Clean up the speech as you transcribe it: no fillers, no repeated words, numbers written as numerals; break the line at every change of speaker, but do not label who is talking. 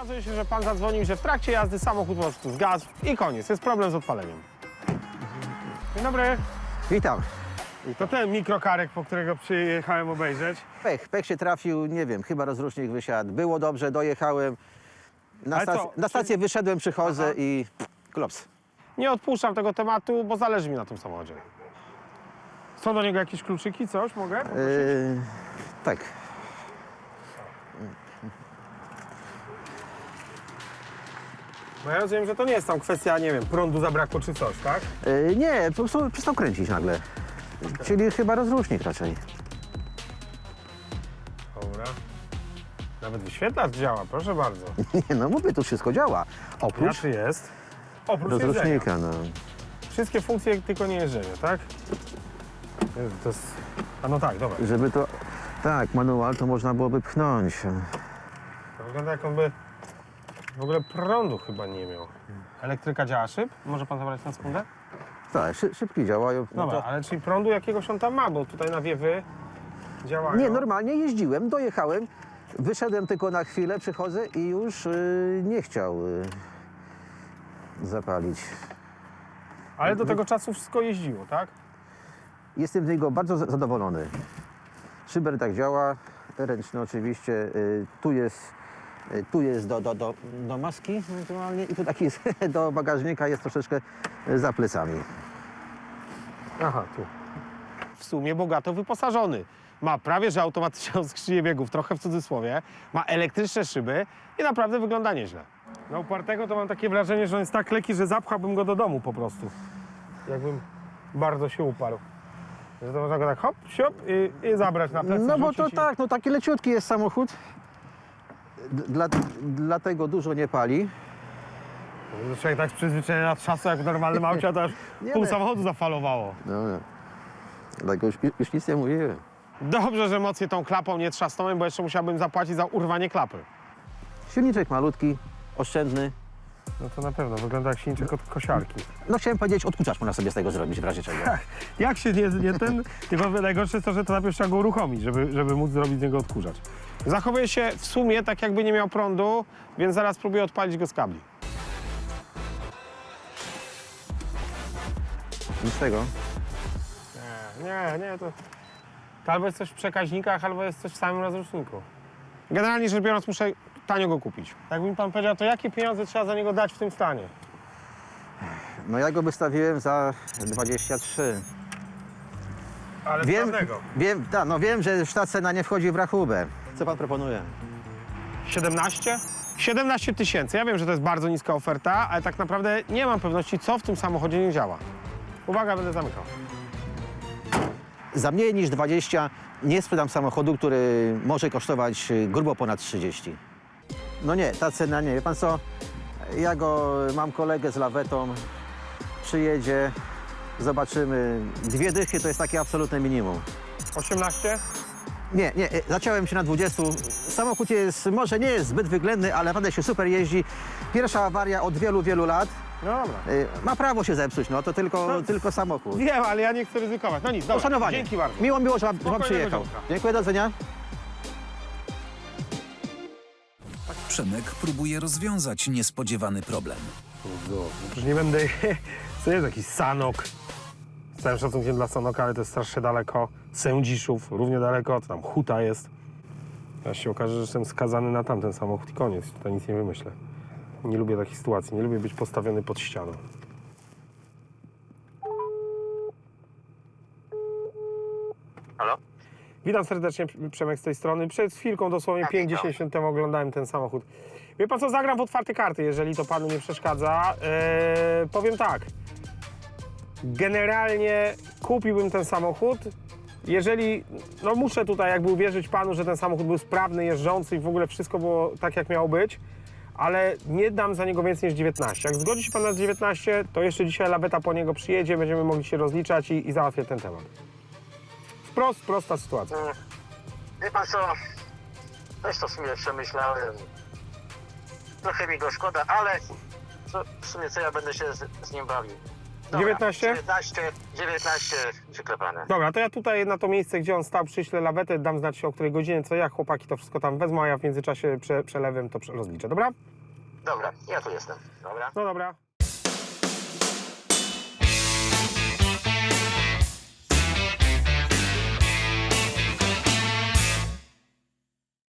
okazuje się, że pan zadzwonił, że w trakcie jazdy samochód po prostu zgasł i koniec. Jest problem z odpaleniem. Dzień dobry.
Witam.
To ten mikrokarek, po którego przyjechałem obejrzeć.
Pech się trafił, nie wiem, chyba rozrusznik wysiadł. Było dobrze, dojechałem.
Ale co,
Na stację wyszedłem, przychodzę i klops.
Nie odpuszczam tego tematu, bo zależy mi na tym samochodzie. Są do niego jakieś kluczyki, coś mogę?
Tak.
Bo ja rozumiem, że to nie jest tam kwestia, nie wiem, prądu zabrakło czy coś, tak?
Nie, po prostu przestał kręcić nagle. Czyli chyba rozrusznik raczej.
Dobra. Nawet wyświetlacz działa, proszę bardzo.
Nie, no mówię, tu wszystko działa. Oprócz
Jaszy jest? Oprócz jeżdżenia.
rozrusznika, no.
Wszystkie funkcje, tylko nie jeżdżenie, tak? Jezu, to jest... A no tak, dobra.
Żeby to... Tak, manual to można byłoby pchnąć.
To wygląda jak on by w ogóle prądu chyba nie miał. Elektryka działa szyb? Może pan zabrać na sekundę?
Tak, szybki działają. No
Dobra,
to...
ale czyli prądu jakiegoś on tam ma, bo tutaj nawiewy działają.
Nie, normalnie jeździłem, dojechałem, wyszedłem tylko na chwilę, przychodzę i już nie chciał zapalić.
Ale do tego czasu wszystko jeździło, tak?
Jestem z niego bardzo zadowolony. Szyber tak działa, ręczny oczywiście. Tu jest do maski ewentualnie i tu taki jest do bagażnika, jest troszeczkę za plecami.
Aha, tu. W sumie bogato wyposażony. Ma prawie że automatyczną skrzynię biegów, trochę w cudzysłowie. Ma elektryczne szyby i naprawdę wygląda nieźle. Na upartego to mam takie wrażenie, że on jest tak lekki, że zapchałbym go do domu po prostu. Jakbym bardzo się uparł. Że to można go tak hop, siop i zabrać na plecy.
No bo to
rzucić i-
tak, no taki leciutki jest samochód. Dlatego dużo nie pali.
Człowiek tak przyzwyczajony na trzasu jak w normalnym aucie, to aż
Nie
pół
wiem.
samochodu zafalowało.
No, dlatego już nic nie mówiłem.
Dobrze, że mocniej tą klapą nie trzasnąłem, bo jeszcze musiałbym zapłacić za urwanie klapy.
Silniczek malutki, oszczędny.
No to na pewno, wygląda jak silniczek od kosiarki.
No chciałem powiedzieć, odkurzacz można sobie z tego zrobić w razie czego.
Jak się nie ten... Tylko najgorsze jest to, że to najpierw trzeba go uruchomić, żeby móc zrobić z niego odkurzacz. Zachowuje się w sumie tak, jakby nie miał prądu, więc zaraz próbuję odpalić go z kabli.
Nic z tego.
Nie, to albo jest coś w przekaźnikach, albo jest coś w samym rozruszniku. Generalnie rzecz biorąc, muszę tanio go kupić. Jakby mi pan powiedział, to jakie pieniądze trzeba za niego dać w tym stanie?
No ja go wystawiłem za 23.
Ale
Wiem, że ta cena nie wchodzi w rachubę. Co pan proponuje?
17? 17 tysięcy. Ja wiem, że to jest bardzo niska oferta, ale tak naprawdę nie mam pewności, co w tym samochodzie nie działa. Uwaga, będę zamykał.
Za mniej niż 20 nie sprzedam samochodu, który może kosztować grubo ponad 30. No nie, ta cena nie. Wie pan co? Ja mam kolegę z lawetą, przyjedzie, zobaczymy. 2 dychy to jest takie absolutne minimum.
18?
Nie, zaciąłem się na 20. Samochód może nie jest zbyt wyględny, ale naprawdę się super jeździ. Pierwsza awaria od wielu lat.
No dobra.
Ma prawo się zepsuć, no to tylko samochód.
Wiem, ale ja nie chcę ryzykować. No nic, dobra.
Poszanowanie.
Dzięki bardzo.
Miło, że pan
Spokojnego
przyjechał.
dzionka.
Dziękuję, do widzenia.
Przemek próbuje rozwiązać niespodziewany problem.
No, przecież nie będę... To jest jakiś Sanok. Z całym szacunkiem dla Sanoka, ale to jest strasznie daleko. Sędziszów, równie daleko, to tam Huta jest. Teraz się okaże, że jestem skazany na tamten samochód i koniec. Tutaj nic nie wymyślę. Nie lubię takich sytuacji, nie lubię być postawiony pod ścianą.
Halo?
Witam serdecznie, Przemek z tej strony. Przed chwilką, dosłownie 5-10 minut temu oglądałem ten samochód. Wie pan co, zagram w otwarte karty, jeżeli to panu nie przeszkadza. Powiem tak. Generalnie kupiłbym ten samochód, jeżeli, no muszę tutaj jakby uwierzyć panu, że ten samochód był sprawny, jeżdżący i w ogóle wszystko było tak, jak miało być, ale nie dam za niego więcej niż 19. Jak zgodzi się pan na 19, to jeszcze dzisiaj laweta po niego przyjedzie, będziemy mogli się rozliczać i załatwię ten temat. Prosta sytuacja.
Wie pan co, też to w sumie przemyślałem. Trochę mi go szkoda, ale w sumie co ja będę się z nim bawił. Dobra,
19?
19, 19 przyklepane.
Dobra, to ja tutaj na to miejsce, gdzie on stał, przyślę lawetę, dam znać o której godzinie, co jak, chłopaki to wszystko tam wezmą, a ja w międzyczasie przelewem to rozliczę, dobra?
Dobra, ja tu jestem. Dobra.
No dobra.